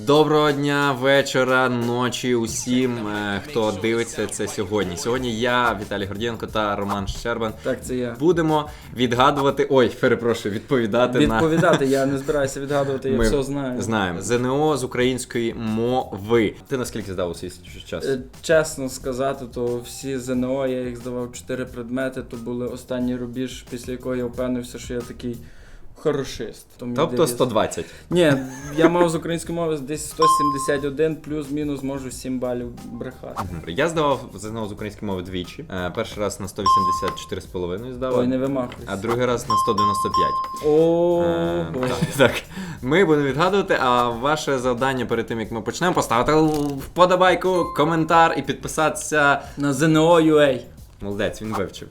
Доброго дня, вечора, ночі усім, хто дивиться це сьогодні. Сьогодні я, Віталій Гордієнко та Роман Щербан. Так, це я. Будемо відгадувати, відповідати на... Відповідати, я не збираюся відгадувати, я все знаю. Знаємо. ЗНО з української мови. Ти наскільки здав у свій час? Чесно сказати, то всі ЗНО, я їх здавав 4 предмети, то були останній рубіж, після якого я впевнився, що я такий хорошист. Тобто 120? Ні, я мав з української мови десь 171, плюс-мінус можу 7 балів брехати. Я здавав ЗНО з української мови двічі. Перший раз на 184,5 здавав. Ой, не вимахуйся. А другий раз на 195. Ого. Так, ми будемо відгадувати, а ваше завдання перед тим, як ми почнемо, поставити вподобайку, коментар і підписатися На ЗНО.UA. Молодець, він вивчив.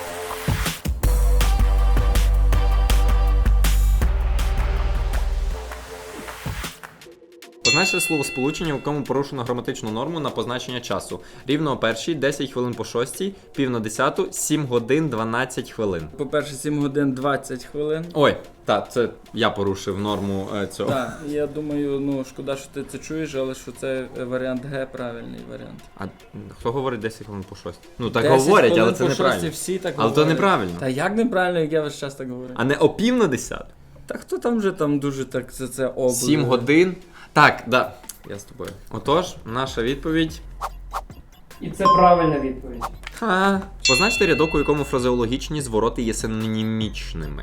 Позначте словосполучення, в якому порушено граматичну норму на позначення часу. Рівно о першій, 10 хвилин по 6, пів на 10, 7 годин 12 хвилин. По-перше, 7 годин 20 хвилин. Ой, так, це я порушив норму цього. Так, я думаю, шкода, що ти це чуєш, але що це варіант Г, правильний варіант. А хто говорить 10 хвилин по 6? Ну так 10 говорять, але хвилин це по неправильно. 6 всі так Але говорять. то неправильно. Та як неправильно, як я весь час так говорю? А не о пів на 10? Та хто там вже дуже так за це облили? 7 годин. Так, да. Я з тобою. Отож, наша відповідь. І це правильна відповідь. Позначте рядок, у якому фразеологічні звороти є синонімічними.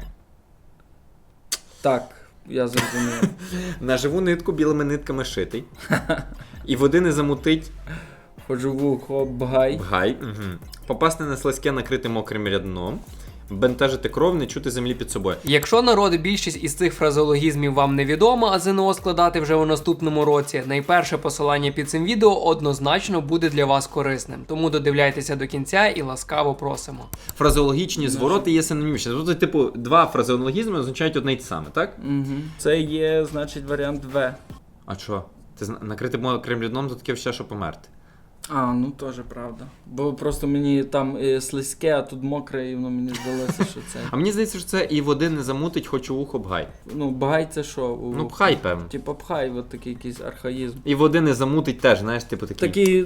Так, я зрозумів. На живу нитку білими нитками шитий. І води не замутить Ходжу в ухо, бгай. бгай. Попасти на слизьке, накрити мокрим рядном. Бентежити кров, не чути землі під собою. Якщо народи більшість із цих фразеологізмів вам невідома, а ЗНО складати вже у наступному році, найперше посилання під цим відео однозначно буде для вас корисним. Тому додивляйтеся до кінця і ласкаво просимо. Фразеологічні звороти є синонімічні. Тобто, типу, два фразеологізми означають одне й те саме, так? Угу. Це є, значить, варіант В. А що? Ти накрити мокрим рядном, то таке все, що померти. А, ну теж правда. Бо просто мені там слизьке, а тут мокре, і воно мені здалося, що це. А мені здається, що це і води не замутить, хоч у вухо бгай. Ну, бгай це що? Ну, пхай, певно. Типа пхай, от такий якийсь архаїзм. І води не замутить теж, знаєш, типу такий. Такий,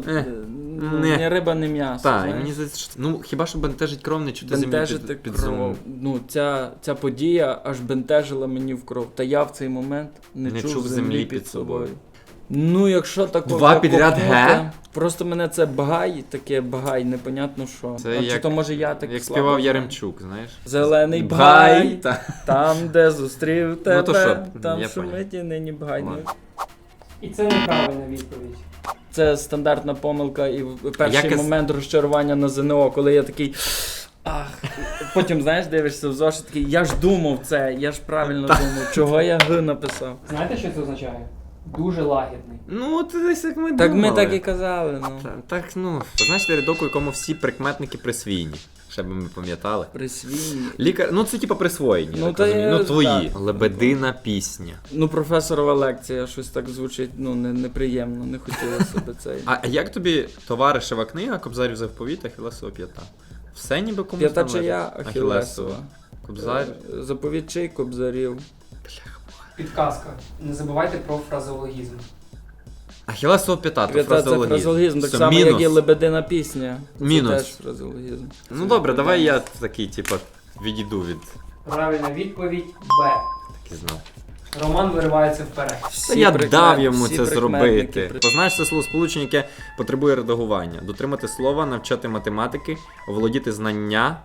не. не риба, не м'ясо. Так, і знаєш. мені здається, що хіба що бентежить кров, не чути землі Бентежити під кров. зумом. Ну, ця подія аж бентежила мені в кров. Та я в цей момент не чув землі під собою. Ну, якщо такого Два підряд Г? Просто мене це багай, непонятно що. Це Чи то може я так як слабо співав знаю? Яремчук, знаєш. Зелений Бгай, бгай, та. там, де зустрів тебе, то що, там я шумить і нині бгай. Ну, Ладно. І це неправильна відповідь. це стандартна помилка і перший Якось- момент розчарування на ЗНО, коли я такий... Ах, потім, знаєш, дивишся в зошит, такий, я ж думав це, я ж правильно думав, чого я Г написав. Знаєте, що це означає? Дуже лагідний. Ну, от десь як ми Так думали. ми так і казали, ну. Так, позначте рядок, у якому всі прикметники присвійні. Ще би ми пам'ятали. Присвійні. Лікар, ну це типа присвоєні, Ну, так та розумію. я- Ну твої. так. Лебедина пісня. Ну, професорова лекція, щось так звучить, неприємно, не хотілося б цей. А як тобі товаришева книга Кобзарів заповіт Ахілесова п'ята? Все ніби комусь П'ята належить? чия Ахілесова. Кобзар. Заповідь чий Кобзарів. Підказка. Не забувайте про фразеологізм. Ахілесова п'ята, то Це фразеологізм, так Все, само, мінус. як і лебедина пісня. Мінус. Це теж фразеологізм. Ну добре, давай я такий, типа, відійду від... Правильна відповідь Б. Так і знав. Роман виривається вперед. Та я дав йому всі це прикметники зробити. Позначте словосполучення, яке потребує редагування. Дотримати слова, навчати математики, оволодіти знання.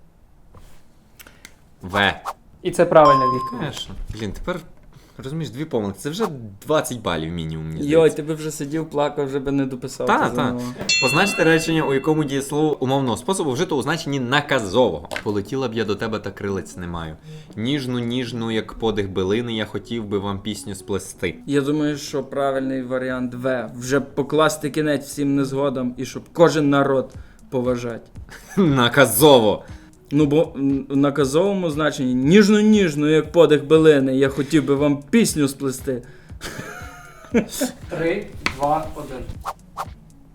В. І це правильна відповідь. Конечно. Блін, тепер, розумієш, дві помилки. Це вже 20 балів мінімум, мені Йой, здається. ти би вже сидів, плакав, вже би не дописав. Так, це так. ЗНО. Позначте речення, у якому дієслово умовного способу вжито у значенні наказового. Полетіла б я до тебе, та крилець не маю. Ніжну, як подих билини, я хотів би вам пісню сплести. Я думаю, що правильний варіант В. Вже покласти кінець всім незгодам і щоб кожен народ поважати. Наказово! Ну, бо в наказовому значенні ніжно, як подих билини, я хотів би вам пісню сплести. 3, 2, 1. І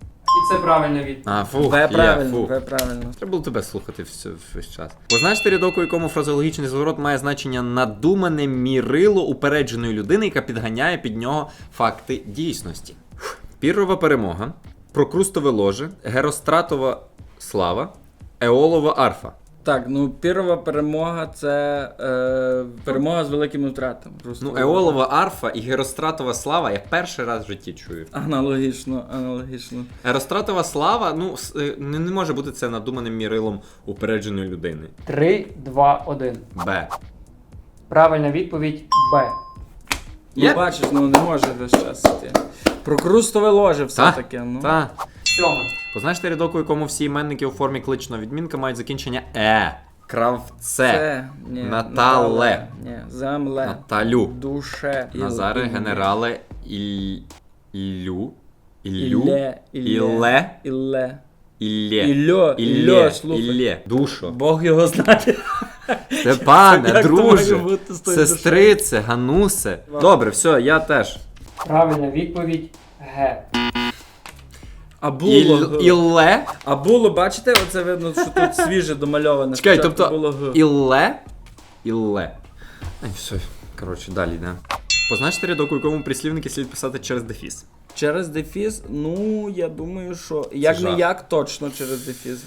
Це правильна відповідь. А, фух, В є, правильно, фух. В правильно. Треба було тебе слухати весь час. Познаєш ти рядок, у якому фразеологічний зворот має значення надумане мірило упередженої людини, яка підганяє під нього факти дійсності. Піррова перемога, прокрустове ложе, геростратова слава, еолова арфа. Так, ну пірова перемога це перемога з великими втратами. Просто Ну, еолова арфа і геростратова слава я перший раз в житті чую. Аналогічно. Геростратова слава, ну, не може бути це надуманим мірилом упередженої людини. 3, 2, 1. Б. Правильна відповідь Б. Ну Є? бачиш, ну не може весь час іти. Прокрустове ложе все-таки. Ну. Та. 7. Познаєш ти рядок, у якому всі іменники у формі кличного відмінка мають закінчення Кравце. Це, ні, Натале. Ні, земле. Наталю. Душе. Назаре, генерале, Іллю. Іллю. Ілле. Ілле. Ілле. Іллє. Іллє, слухай. Іллє. Душо. Бог його знає. Степане, Як то може друже, бути з тою сестрице, Ганусе. Добре, все, я теж. Правильна відповідь Г. А було. Ілле. А було, бачите, оце видно, що тут свіже домальоване. Чекай, Спочатку тобто було Г. Ілле. Ілле. Ай, все, коротше, далі, да. Познаєш ти рядок, у якому прислівники слід писати через дефіс. Через дефіс, ну, я думаю, що як не жах. як, точно через дефіс.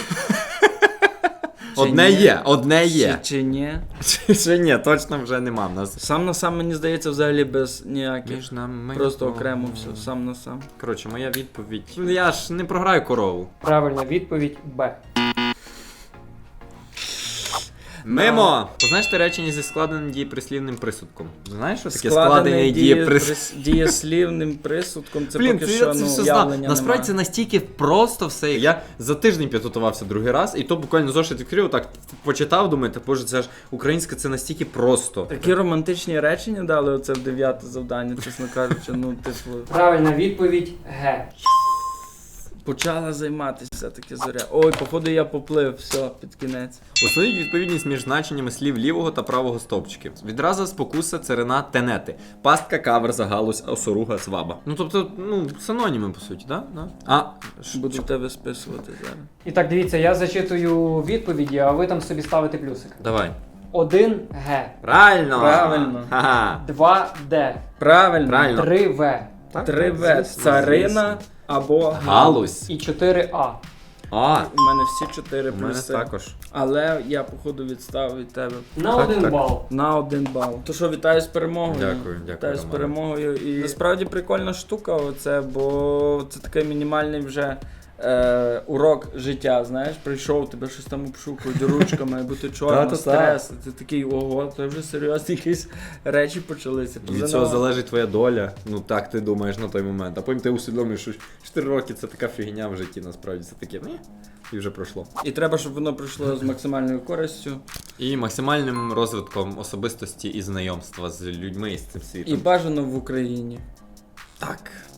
Одне ні? є, одне є. Чи ні? Чи ні, точно вже нема в нас. Сам на сам, мені здається, взагалі без ніяких. Між нами. Просто окремо все, сам на сам. Коротше, моя відповідь. Я ж не програю корову. Правильна відповідь Б. Мимо! Познаєш ти речення зі складеним дієприслівним присудком? Знаєш, що таке складений дієприсудок? дієслівним присудком, це Блін, поки це що, я це ну, все знав. явлення Насправді нема. це настільки просто все. Я за тиждень підготувався другий раз, і то буквально зошит відкрив, так почитав, думаю, та боже, це ж українське, це настільки просто. Такі романтичні речення дали оце в 9 завдання, чесно кажучи, ну, типу, Правильна відповідь Г. почала займатися все-таки зоря. Ой, походу я поплив, все, під кінець. Установіть відповідність між значеннями слів лівого та правого стовпчиків. Відразу спокуса, царина, тенети. Пастка, каверза, галузь, осоруга, сваба. Ну тобто, ну, синоніми, по суті, да? А, Буду в тебе списувати зараз. І так, дивіться, я зачитую відповіді, а ви там собі ставите плюсик. Давай. 1 Г. Правильно! Правильно. Ха-ха. 2 Д. Правильно. Правильно. 3 В. 3В. Царина або Галузь. І 4 А. А, У мене всі 4 у мене плюси. також. Але я, походу, відстав від тебе На Так, 1 так. бал. на 1 бал. То що, вітаю з перемогою. Дякую, Вітаю з Романе. перемогою. І насправді прикольна штука оце, бо це такий мінімальний вже урок життя, знаєш, прийшов, тебе щось там обшукують ручками, бо ти чорно, Та-та-та. стрес. Ти такий, ого, це вже серйозні якісь речі почалися. Від цього залежить твоя доля. Ну так ти думаєш на той момент. А потім ти усвідомлюєш, що 4 роки це така фігня в житті, насправді це таке, ні, і вже пройшло. І треба, щоб воно пройшло з максимальною користю. І максимальним розвитком особистості і знайомства з людьми і з цим І світом. бажано в Україні. Так.